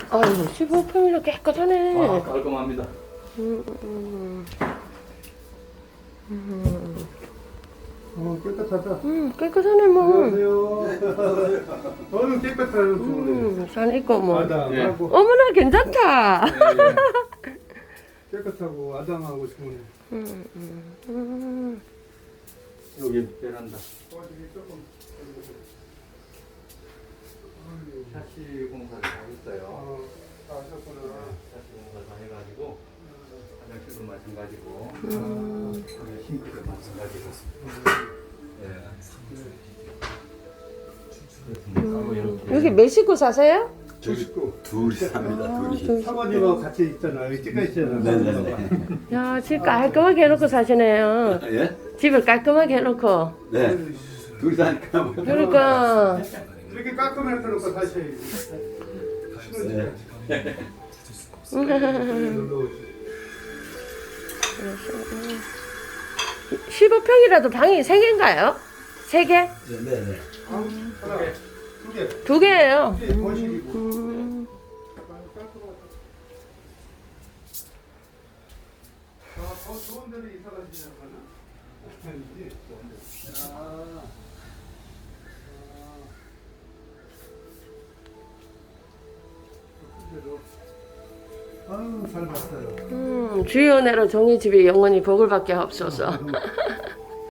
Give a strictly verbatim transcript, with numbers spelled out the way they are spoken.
아유, 십오 평이나 깨끗하네. 아, 깔끔합니다. 음, 음, 음, 어, 깨끗하다. 음, 깨끗하네, 뭐. 안녕하세요. 너무 깨끗하요, 좋네. 음, 산 있고, 뭐. 아담하고, 어머나, 괜찮다. 깨끗하고, 아담하고 좋네. 음, 음, 음. 여기 베란다. 샤시 공사를 다 했어요. 어, 다 하셨구나. 샤시 공사 다 해가지고 화장실도 마찬가지고 음. 여기 싱크도 마찬가지고. 예. 그래서 이렇게 여기 몇 식구 사세요? 저기 또 둘이 삽니다. 아, 둘이. 둘. 사모님하고 같이 있잖아. 여기 찍혀 있잖아. 네네네. 야, 집 깔끔하게 해놓고 사시네요. 예? 집을 깔끔하게 해놓고. 네. 둘이 사니까 뭐. 그러니까. 이렇게 깔끔하게 해놓고 사셔야지. 네. 십오 평이라도 방이 세 개인가요? 세 개? 네네. 하나, 두 개. 두 개예요. 두 개, 거실이고. 음. 아, 더 좋은 데로 이사 가시려고 하나? 아니지. 아. 아유, 잘 봤어요. 음, 주의 은혜로 종이집이 영원히 복을 받게 하옵소서.